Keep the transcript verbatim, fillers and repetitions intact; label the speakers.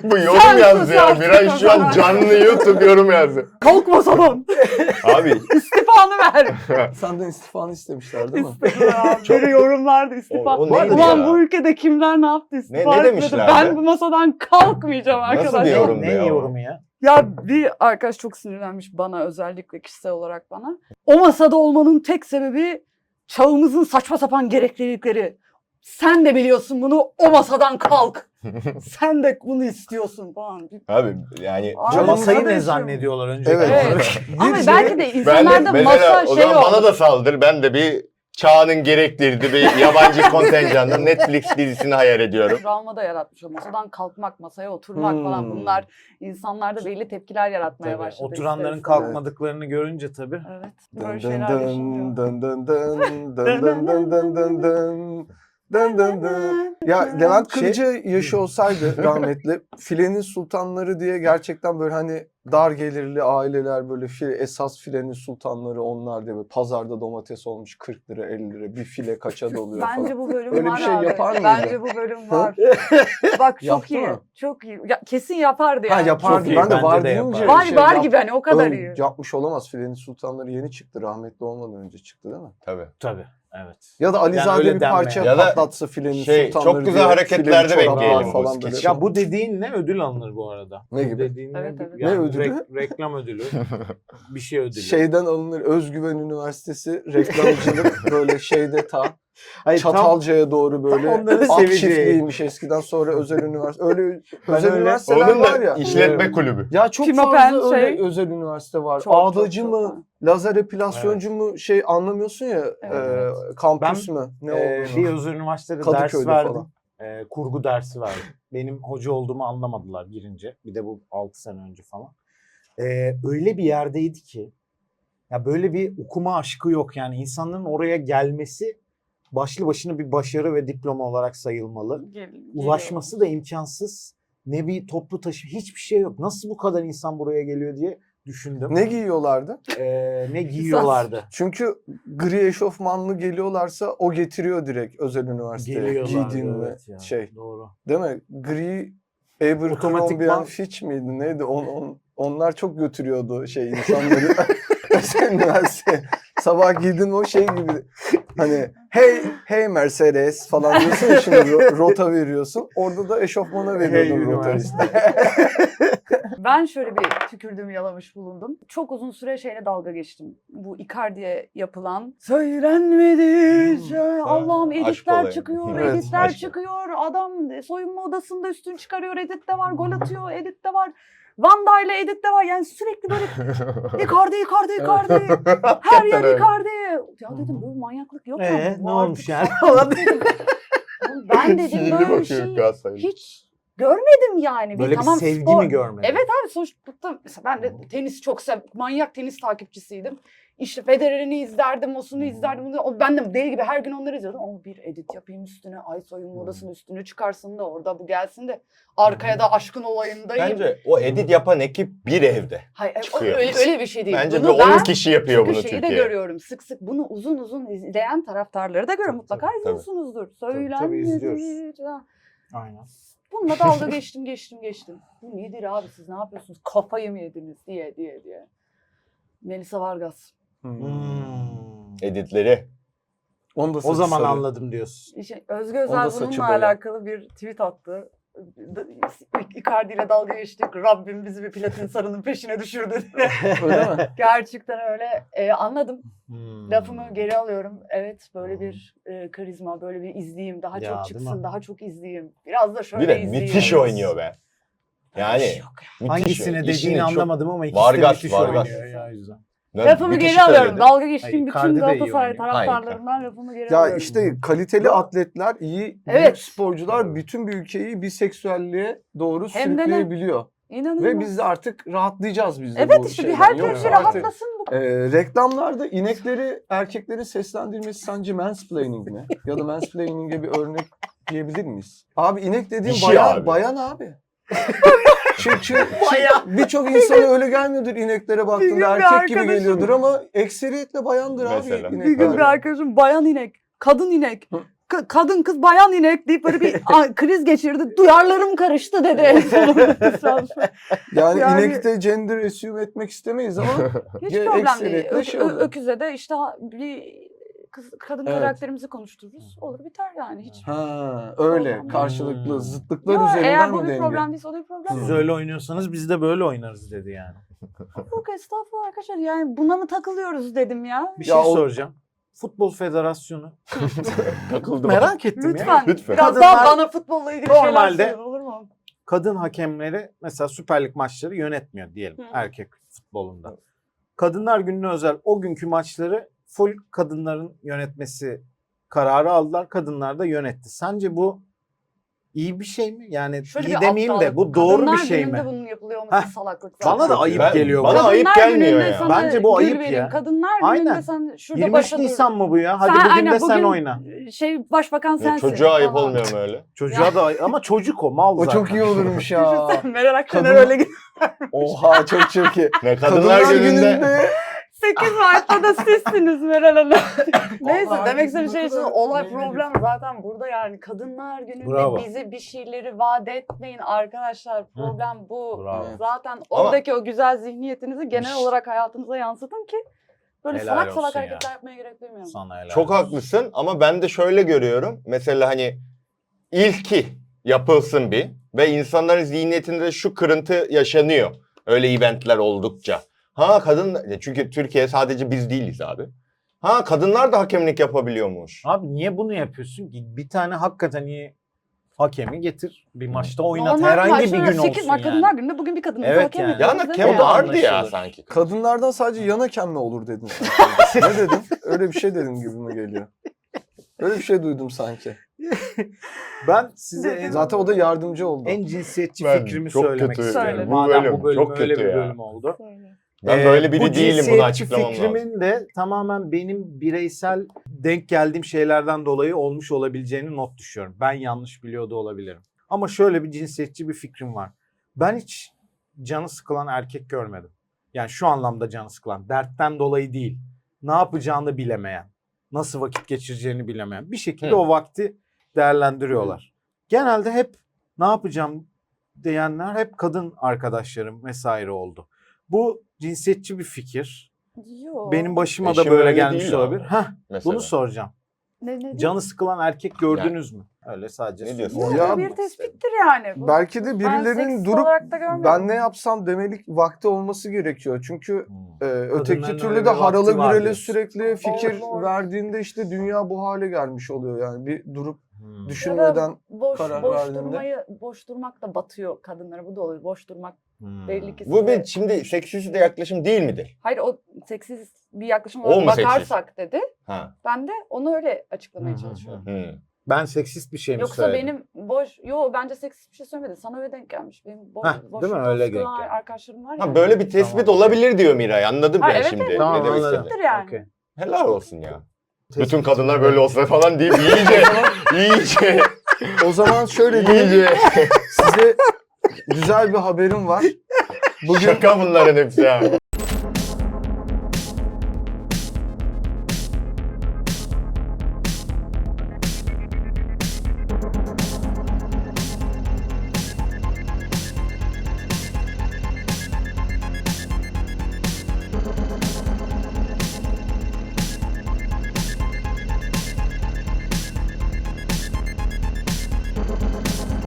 Speaker 1: Bu yorum yazdı ya. Miray şu an canlı YouTube yorum yazdı.
Speaker 2: Kalk masadan.
Speaker 1: Abi.
Speaker 2: İstifanı ver.
Speaker 3: Senden istifanı istemişler değil mi?
Speaker 2: İstifa. Biri yorumlarda istifa.
Speaker 1: O- o neydi
Speaker 2: Ulan
Speaker 1: ya?
Speaker 2: bu ülkede kimler ne yaptı istifa
Speaker 1: Ne- ne
Speaker 2: etmedi.
Speaker 1: demişlerdi?
Speaker 2: Ben bu masadan kalkmayacağım
Speaker 1: Nasıl
Speaker 2: arkadaşlar.
Speaker 1: bir yorum?
Speaker 4: Ne
Speaker 1: ya.
Speaker 4: yorumu ya?
Speaker 2: Ya bir arkadaş çok sinirlenmiş bana, özellikle kişisel olarak bana. O masada olmanın tek sebebi çağımızın saçma sapan gereklilikleri. Sen de biliyorsun bunu, o masadan kalk. Sen de bunu istiyorsun falan.
Speaker 1: Abi yani
Speaker 2: Abi,
Speaker 4: Ya masayı ne
Speaker 2: kardeşim.
Speaker 4: zannediyorlar önce?
Speaker 3: Evet.
Speaker 2: Evet. Ama
Speaker 3: Bir
Speaker 2: belki
Speaker 3: şey-
Speaker 2: de
Speaker 1: ben de
Speaker 2: insanlarda
Speaker 1: mesela
Speaker 2: masa
Speaker 1: o
Speaker 2: şey
Speaker 1: zaman bana
Speaker 2: oldu.
Speaker 1: da saldır. Ben de bir çağının gerektirdiği bir yabancı kontenjandan Netflix dizisini hayal ediyorum.
Speaker 2: Travma da yaratmış o. Masadan kalkmak, masaya oturmak
Speaker 3: Hmm.
Speaker 2: falan, bunlar insanlarda belli tepkiler yaratmaya
Speaker 4: Tabii,
Speaker 2: başladı.
Speaker 4: oturanların
Speaker 2: ister istemez.
Speaker 4: kalkmadıklarını görünce tabii.
Speaker 2: Evet.
Speaker 3: Dın
Speaker 2: Böyle
Speaker 3: dın
Speaker 2: şeyler
Speaker 3: dın
Speaker 2: yaşanıyor.
Speaker 3: dın dın dın dın dın dın dın dın dın dın. Dın dın dın. Ya Levent
Speaker 4: Şey-
Speaker 3: Kırcı yaşı olsaydı rahmetli, filenin sultanları diye gerçekten böyle hani dar gelirli aileler, böyle file, esas filenin sultanları onlar diye, böyle pazarda domates olmuş kırk lira elli lira, bir file kaça doluyor falan.
Speaker 2: Bence bu bölüm
Speaker 3: Öyle bir
Speaker 2: var
Speaker 3: şey
Speaker 2: abi.
Speaker 3: yapar mıydı?
Speaker 2: Bence bu bölüm var. Bak çok
Speaker 3: Yaptı
Speaker 2: iyi.
Speaker 3: mı?
Speaker 2: Çok iyi. Ya, kesin yapardı
Speaker 3: Ha
Speaker 2: yani.
Speaker 3: yapardı.
Speaker 4: Çok iyi,
Speaker 3: Ben de
Speaker 4: bence
Speaker 3: var
Speaker 4: de
Speaker 3: deyince
Speaker 4: yapar.
Speaker 2: Var
Speaker 3: şey
Speaker 2: var
Speaker 3: yap-
Speaker 2: gibi hani, o kadar
Speaker 3: ön-
Speaker 2: iyi.
Speaker 3: Yapmış olamaz. Filenin sultanları yeni çıktı. Rahmetli olmadan önce çıktı değil mi?
Speaker 1: Tabii.
Speaker 4: Tabii. Evet.
Speaker 3: Ya da Alizade
Speaker 4: öyle
Speaker 3: bir
Speaker 4: denme
Speaker 3: parça
Speaker 4: yani.
Speaker 1: Ya da
Speaker 3: patlatsa filenin
Speaker 1: şey, çok
Speaker 3: sultanları
Speaker 1: güzel
Speaker 3: diye,
Speaker 1: hareketlerde
Speaker 3: fileli çoraplar
Speaker 1: bekleyelim bu
Speaker 3: falan
Speaker 1: skeçi.
Speaker 3: böyle.
Speaker 4: Ya bu dediğinle ödül alınır bu arada.
Speaker 3: Ne
Speaker 4: Bu
Speaker 3: gibi?
Speaker 4: dediğinle
Speaker 2: Evet,
Speaker 4: bir-
Speaker 2: evet.
Speaker 4: yani
Speaker 3: Ne ödülü?
Speaker 4: rek- reklam ödülü. Bir şey ödülü.
Speaker 3: Şeyden alınır, Özgüven Üniversitesi reklamcılık böyle şeyde ta
Speaker 4: Hayır, tam-
Speaker 3: Çatalca'ya doğru böyle
Speaker 4: tam onların
Speaker 3: at
Speaker 4: seveceği.
Speaker 3: çiftliğiymiş eskiden, sonra özel üniversite. Öyle
Speaker 4: Ben
Speaker 3: özel
Speaker 4: öyle-
Speaker 3: üniversiteler
Speaker 1: Onun
Speaker 3: var
Speaker 1: da
Speaker 3: ya.
Speaker 1: işletme kulübü.
Speaker 3: Ya çok
Speaker 2: Pimapen
Speaker 3: fazla öyle
Speaker 2: şey-
Speaker 3: özel üniversite var.
Speaker 2: Çok, çok,
Speaker 3: Ağdacı
Speaker 2: çok
Speaker 3: mı,
Speaker 2: var.
Speaker 3: lazer epilasyoncu mu şey anlamıyorsun ya,
Speaker 2: Evet,
Speaker 3: e,
Speaker 2: evet.
Speaker 3: kampüs
Speaker 4: Ben,
Speaker 3: mü? Ne
Speaker 4: Ee,
Speaker 3: olduğunu.
Speaker 4: bir özel üniversitede
Speaker 3: Kadıköy'de
Speaker 4: ders verdim.
Speaker 3: falan.
Speaker 4: Ee, kurgu dersi verdim. Benim hoca olduğumu anlamadılar girince. Bir de bu altı sene önce falan. Ee, öyle bir yerdeydi ki ya böyle bir okuma aşkı yok yani, insanların oraya gelmesi başlı başına bir başarı ve diploma olarak sayılmalı.
Speaker 2: Gel-
Speaker 4: Ulaşması da imkansız. Ne bir toplu taşı, hiçbir şey yok. Nasıl bu kadar insan buraya geliyor diye düşündüm.
Speaker 3: Ne giyiyorlardı?
Speaker 4: Ee, ne giyiyorlardı?
Speaker 3: Çünkü gri eşofmanlı geliyorlarsa o getiriyor direkt özel üniversiteye.
Speaker 4: Geliyorlardı,
Speaker 3: Giydiğin mi
Speaker 4: evet ya,
Speaker 3: şey.
Speaker 4: Doğru.
Speaker 3: Değil mi? Gri Abercrombie
Speaker 4: Otomatikman-
Speaker 3: and Fitch miydi? Neydi? On, on, onlar çok götürüyordu şey insanları. Özel üniversite. Sabah giydin o şey gibi. Hani hey hey Mercedes falan diyorsun ya, şimdi ro- rota veriyorsun. Orada da eşofmana veriyordun
Speaker 4: Hey
Speaker 3: rota
Speaker 4: üniversite.
Speaker 3: işte.
Speaker 2: Ben şöyle bir tükürdüğümü yalamış bulundum. Çok uzun süre şeyle dalga geçtim. Bu Icardi'ye yapılan söylenmedi. Şey, Allah'ım
Speaker 1: Aşk
Speaker 2: editler
Speaker 1: olayı.
Speaker 2: çıkıyor,
Speaker 3: Evet,
Speaker 2: editler
Speaker 1: aşk.
Speaker 2: çıkıyor. Adam soyunma odasında üstün çıkarıyor, editte var, gol atıyor, editte var. Vanda ile editte var. Yani sürekli böyle Icardi, Icardi, Icardi. Her yer
Speaker 1: öyle.
Speaker 2: Icardi. Ya dedim böyle manyaklık yok mu?
Speaker 4: Ee,
Speaker 2: Bu
Speaker 4: ne
Speaker 2: artık
Speaker 4: olmuş yani?
Speaker 2: saçma dedim. Ben dedim
Speaker 1: Fiili
Speaker 2: böyle bir
Speaker 1: bakıyor
Speaker 2: şey
Speaker 1: Galatasaray'a.
Speaker 2: hiç görmedim yani.
Speaker 4: Böyle bir
Speaker 2: tamam,
Speaker 4: sevgi
Speaker 2: spor-
Speaker 4: mi görmedin?
Speaker 2: Evet abi, sonuçta mesela ben de tenis çok sev, manyak tenis takipçisiydim. İşte Federer'ini izlerdim, osunu izlerdim. bunu- O, ben de deli gibi her gün onları izliyordum. Ama bir edit yapayım üstüne, ay soyunma odasının üstünü çıkarsın da orada bu gelsin de arkaya da aşkın olayındayım.
Speaker 1: Bence o edit yapan ekip bir evde.
Speaker 2: Hayır, o-
Speaker 1: çıkıyor.
Speaker 2: öyle, öyle bir şey değil.
Speaker 1: Bence bir
Speaker 2: Bunu
Speaker 1: on
Speaker 2: ben
Speaker 1: kişi yapıyor
Speaker 2: çünkü
Speaker 1: bunu
Speaker 2: şeyi de
Speaker 1: Türkiye'ye.
Speaker 2: görüyorum. Sık sık bunu uzun uzun izleyen taraftarları da görüyorum. Mutlaka
Speaker 4: tabii,
Speaker 2: izliyorsunuzdur. Söylenmedi.
Speaker 4: izliyoruz.
Speaker 2: Ha.
Speaker 4: Aynen.
Speaker 2: Bununla dalga geçtim geçtim geçtim. Bu nedir abi, siz ne yapıyorsunuz? Kafayı mı yediniz diye diye diye. Melisa Vargas.
Speaker 3: Hmm.
Speaker 4: Hmm.
Speaker 1: Editleri.
Speaker 3: Onu da
Speaker 4: O
Speaker 3: saçı
Speaker 4: zaman
Speaker 3: sarı.
Speaker 4: anladım diyorsun.
Speaker 2: İşte Özge
Speaker 3: Onda
Speaker 2: Özel
Speaker 3: saçı
Speaker 2: bununla
Speaker 3: boya.
Speaker 2: alakalı bir tweet attı. Icardi ile dalga geçtik. Rabbim bizi bir platin sarının peşine düşürdü diye.
Speaker 3: Öyle mi?
Speaker 2: Gerçekten öyle. Ee, anladım.
Speaker 4: Hmm.
Speaker 2: Lafımı geri alıyorum. Evet, böyle bir e, karizma, böyle bir izleyeyim. Daha
Speaker 4: Ya,
Speaker 2: çok
Speaker 4: değil
Speaker 2: çıksın,
Speaker 4: mi?
Speaker 2: daha çok izleyeyim. Biraz da şöyle
Speaker 1: Bir de
Speaker 2: izleyeyim.
Speaker 1: müthiş oynuyor be. Yani
Speaker 2: Yok ya.
Speaker 1: müthiş
Speaker 4: Hangisine
Speaker 1: oynuyor.
Speaker 4: dediğini
Speaker 1: İşini çok-
Speaker 4: anlamadım ama ikisi
Speaker 1: Vargas,
Speaker 4: de müthiş
Speaker 1: Vargas.
Speaker 4: oynuyor ya, o yüzden.
Speaker 1: Ben
Speaker 2: Lafımı
Speaker 1: müthiş
Speaker 2: geri alıyorum.
Speaker 1: söyledim.
Speaker 2: Dalga geçtiğim
Speaker 4: Hayır,
Speaker 2: bütün
Speaker 4: Icardi de iyi
Speaker 2: Galatasaray
Speaker 4: oynuyor.
Speaker 2: taraftarlarından lafımı geri
Speaker 3: Ya
Speaker 2: alıyorum.
Speaker 3: işte kaliteli atletler, iyi
Speaker 2: Evet.
Speaker 3: büyük sporcular bütün bir ülkeyi biseksüelliğe doğru
Speaker 2: Hem de ne?
Speaker 3: sürükleyebiliyor.
Speaker 2: İnanılmaz.
Speaker 3: Ve biz de artık rahatlayacağız biz de
Speaker 2: Evet
Speaker 3: bu
Speaker 2: işte bir
Speaker 3: şeyden.
Speaker 2: her
Speaker 3: Yoksa
Speaker 2: köşe
Speaker 3: artık,
Speaker 2: rahatlasın bu.
Speaker 3: e, reklamlarda inekleri erkeklerin seslendirmesi sence mansplaining mi? Ya da mansplaining'e bir örnek diyebilir miyiz? Abi inek dediğin
Speaker 1: Dişi
Speaker 3: bayan
Speaker 1: abi.
Speaker 3: bayan abi. Çünkü birçok insana öyle gelmiyordur ineklere
Speaker 2: Bir gün
Speaker 3: baktığında,
Speaker 2: bir
Speaker 3: erkek gibi
Speaker 2: arkadaşım-
Speaker 3: ekseriyetle bayandır abi
Speaker 1: Mesela.
Speaker 3: inekler.
Speaker 2: Bir gün bir arkadaşım bayan inek, kadın inek,
Speaker 3: Hı.
Speaker 2: K- kadın kız bayan inek deyip böyle bir a- kriz geçirdi. Duyarlarım karıştı dedi en sonunda.
Speaker 3: Yani,
Speaker 2: Yani-
Speaker 3: inekte gender assume etmek istemeyiz ama
Speaker 2: Hiç
Speaker 3: Ya
Speaker 2: problem değil.
Speaker 3: ekseriyetle
Speaker 2: Ö-
Speaker 3: şey
Speaker 2: ö-
Speaker 3: oluyor.
Speaker 2: öküze de işte ha- bir kız, kadın
Speaker 3: Evet.
Speaker 2: karakterimizi konuştururuz. Olur biter yani hiç.
Speaker 3: ha öyle
Speaker 2: Hmm.
Speaker 3: karşılıklı zıtlıklar
Speaker 2: Yo,
Speaker 3: üzerinden
Speaker 2: eğer bu
Speaker 3: mi
Speaker 2: bir
Speaker 3: denge?
Speaker 2: problem değilse o da bir problem
Speaker 4: Siz
Speaker 2: değil.
Speaker 4: öyle oynuyorsanız biz de böyle oynarız dedi yani.
Speaker 2: Yok estağfurullah arkadaşlar yani buna mı takılıyoruz dedim ya.
Speaker 4: Bir
Speaker 3: Ya
Speaker 4: şey
Speaker 3: o-
Speaker 4: soracağım. Futbol Federasyonu.
Speaker 1: Takıldım.
Speaker 4: Merak ettim ya.
Speaker 2: Lütfen,
Speaker 1: Lütfen.
Speaker 2: biraz
Speaker 4: Kadınlar-
Speaker 2: daha bana futbolla ilgili şeyler
Speaker 4: Normalde-
Speaker 2: söyleyin, olur mu?
Speaker 4: Kadın hakemleri mesela Süper Lig maçları yönetmiyor diyelim
Speaker 2: Hı.
Speaker 4: erkek futbolunda. Kadınlar Günü'ne özel o günkü maçları full kadınların yönetmesi kararı aldılar. Kadınlar da yönetti. Sence bu iyi bir şey mi? Yani
Speaker 2: Şöyle
Speaker 4: iyi
Speaker 2: bir
Speaker 4: demeyeyim de
Speaker 2: aptallık.
Speaker 4: bu doğru
Speaker 2: Kadınlar
Speaker 4: bir şey mi?
Speaker 2: Günü'nde bunun yapılıyor olması
Speaker 4: Heh,
Speaker 2: salaklık
Speaker 4: bana
Speaker 2: zaten.
Speaker 4: da ayıp
Speaker 1: Ben-
Speaker 4: geliyor.
Speaker 1: bana
Speaker 4: bu.
Speaker 1: ayıp
Speaker 2: Kadınlar
Speaker 1: gelmiyor
Speaker 2: Günü'nde
Speaker 1: ya.
Speaker 2: sana
Speaker 4: Bence bu
Speaker 2: gül
Speaker 4: ayıp
Speaker 2: vereyim.
Speaker 4: ya.
Speaker 2: Kadınlar Günü'nde
Speaker 4: Aynen.
Speaker 2: sen şurada
Speaker 4: yirmi üç
Speaker 2: başa dur.
Speaker 4: Nisan mı bu ya? Hadi
Speaker 2: Sen-
Speaker 4: bugün
Speaker 2: aynen,
Speaker 4: de sen
Speaker 2: bugün
Speaker 4: oyna.
Speaker 2: Şey başbakan
Speaker 1: Ya
Speaker 2: sensin.
Speaker 1: çocuğa ayıp
Speaker 2: falan.
Speaker 1: olmuyor mu öyle?
Speaker 4: Çocuğa da ay- ama çocuk o mal
Speaker 3: O
Speaker 4: zaten.
Speaker 3: çok iyi olurmuş ya.
Speaker 2: Düşünsene Meral Akşener
Speaker 3: Kadın-
Speaker 2: öyle gidiyor.
Speaker 3: Oha çok çok iyi.
Speaker 1: Ne kadınlar, gününde,
Speaker 2: sekiz Mart'ta da sizsiniz Meral Hanım. Neyse
Speaker 3: Vallahi
Speaker 2: demek istediğim şey
Speaker 3: bizim
Speaker 2: şu
Speaker 3: kadar
Speaker 2: olay
Speaker 3: ne
Speaker 2: problem zaten burada yani kadınlar gününde
Speaker 4: Bravo.
Speaker 2: bize bir şeyleri vaat etmeyin arkadaşlar problem bu.
Speaker 4: Bravo.
Speaker 2: Zaten
Speaker 1: Ama-
Speaker 2: oradaki o güzel zihniyetinizi genel olarak hayatınıza yansıtın ki böyle
Speaker 4: Helal
Speaker 2: salak salak
Speaker 4: olsun ya.
Speaker 2: hareketler yapmaya gerek duymuyorum.
Speaker 4: Sana helal
Speaker 1: Çok
Speaker 4: olsun.
Speaker 1: haklısın ama ben de şöyle görüyorum. Mesela hani ilki yapılsın bir ve insanların zihniyetinde şu kırıntı yaşanıyor. Öyle eventler oldukça. Ha kadın, çünkü Türkiye sadece biz değiliz abi. Ha kadınlar da hakemlik yapabiliyormuş.
Speaker 4: Abi niye bunu yapıyorsun ki? Bir tane hakikaten iyi hakemi getir. Bir maçta oynat.
Speaker 2: Normal
Speaker 4: Herhangi bir
Speaker 2: maçlarda
Speaker 4: gün
Speaker 2: sekiz
Speaker 4: olsun
Speaker 2: Mart
Speaker 4: yani.
Speaker 2: Kadınlar Günü'nde bugün bir kadın
Speaker 4: Evet
Speaker 2: hakem
Speaker 4: yani.
Speaker 2: ediyoruz,
Speaker 1: Yan
Speaker 2: değil
Speaker 1: hakem
Speaker 2: mi?
Speaker 1: vardı ya
Speaker 4: Anlaşılır.
Speaker 1: sanki.
Speaker 3: Kadınlardan sadece yan hakem mi olur dedin sen? Ne dedin? Öyle bir şey dedim gibime geliyor. Öyle bir şey duydum sanki.
Speaker 4: Ben size en,
Speaker 3: Zaten o da yardımcı oldu.
Speaker 4: en cinsiyetçi
Speaker 1: Ben
Speaker 4: fikrimi
Speaker 1: çok
Speaker 4: söylemek
Speaker 1: kötü.
Speaker 4: istiyorum.
Speaker 2: Söyle.
Speaker 1: Bu
Speaker 4: Madem
Speaker 1: bölüm
Speaker 4: bu bölüm
Speaker 1: çok
Speaker 4: öyle
Speaker 1: kötü
Speaker 4: bir
Speaker 1: ya.
Speaker 4: bölüm oldu.
Speaker 1: Ben
Speaker 4: Ee,
Speaker 1: böyle biri
Speaker 4: bu
Speaker 1: değilim, bunu
Speaker 4: cinsiyetçi
Speaker 1: açıklamam lazım.
Speaker 4: fikrimin de tamamen benim bireysel denk geldiğim şeylerden dolayı olmuş olabileceğini not düşüyorum. Ben yanlış biliyor da olabilirim. Ama şöyle bir cinsiyetçi bir fikrim var. Ben hiç canı sıkılan erkek görmedim. Yani şu anlamda canı sıkılan. Dertten dolayı değil. Ne yapacağını bilemeyen. Nasıl vakit geçireceğini bilemeyen. Bir şekilde
Speaker 1: Hı.
Speaker 4: o vakti değerlendiriyorlar. Genelde hep ne yapacağım diyenler hep kadın arkadaşlarım vesaire oldu. Bu cinsiyetçi bir fikir.
Speaker 2: Yo.
Speaker 4: Benim başıma da
Speaker 1: Eşim
Speaker 4: böyle
Speaker 1: öyle
Speaker 4: gelmiş
Speaker 1: değil
Speaker 4: olabilir.
Speaker 1: abi.
Speaker 4: Heh,
Speaker 1: Mesela.
Speaker 4: bunu soracağım.
Speaker 2: Ne, ne,
Speaker 4: Canı sıkılan erkek gördünüz mü? Öyle sadece.
Speaker 1: Ne diyorsun?
Speaker 4: soruyorum.
Speaker 2: Yok,
Speaker 3: Ya-
Speaker 2: bu bir tespittir yani. Bu-
Speaker 3: Belki de
Speaker 2: Ben
Speaker 3: birilerinin
Speaker 2: seksist
Speaker 3: durup
Speaker 2: olarak da görmedim.
Speaker 3: ben ne yapsam demelik vakti olması gerekiyor. Çünkü
Speaker 4: Hmm.
Speaker 3: e, öteki
Speaker 4: Kadınların
Speaker 3: türlü
Speaker 4: öyle
Speaker 3: de
Speaker 4: bir vakti
Speaker 3: haralı
Speaker 4: var
Speaker 3: gürele
Speaker 4: diyorsun.
Speaker 3: sürekli fikir
Speaker 2: doğru.
Speaker 3: verdiğinde işte dünya bu hale gelmiş oluyor. Yani bir durup
Speaker 4: Hmm.
Speaker 3: düşünmeden
Speaker 2: boş
Speaker 3: karar
Speaker 2: boş
Speaker 3: verdiğinde.
Speaker 2: durmayı boş durmak da batıyor kadınlara. Bu da oluyor. Boş durmak
Speaker 4: Hmm.
Speaker 2: belli ki
Speaker 1: Bu
Speaker 2: size-
Speaker 1: bir şimdi seksist de yaklaşım değil midir?
Speaker 2: Hayır o seksist bir yaklaşım
Speaker 1: O
Speaker 2: olarak
Speaker 1: mu
Speaker 2: bakarsak dedi.
Speaker 1: Ha.
Speaker 2: Ben de onu öyle açıklamaya
Speaker 4: Hı hı
Speaker 2: çalışıyorum.
Speaker 1: Hı.
Speaker 4: Ben seksist bir şey mi
Speaker 2: Yoksa
Speaker 4: söyledim?
Speaker 2: benim boş, yo bence seksist bir şey söylemedi. Sana öyle denk gelmiş. Benim boş,
Speaker 4: Heh,
Speaker 2: boş
Speaker 4: değil mi? Öyle
Speaker 2: boş
Speaker 4: denk
Speaker 2: duran
Speaker 4: geldi.
Speaker 2: arkadaşlarım var ya.
Speaker 1: Ha böyle bir tespit
Speaker 4: Tamam.
Speaker 1: olabilir diyor Miray. Anladım
Speaker 2: Ha,
Speaker 1: ben
Speaker 2: evet,
Speaker 1: şimdi.
Speaker 2: evet.
Speaker 1: Ne
Speaker 4: Tamam,
Speaker 1: demek
Speaker 4: anladım.
Speaker 1: istediğini.
Speaker 2: Tespittir yani.
Speaker 4: Okey.
Speaker 1: Helal olsun ya.
Speaker 4: Tespit-
Speaker 1: Bütün kadınlar böyle olsa falan deyip iyice, iyice,
Speaker 3: o zaman şöyle diyeyim,
Speaker 1: iyice.
Speaker 3: size güzel bir haberim var. Bugün
Speaker 1: Şaka bunların hepsi ya.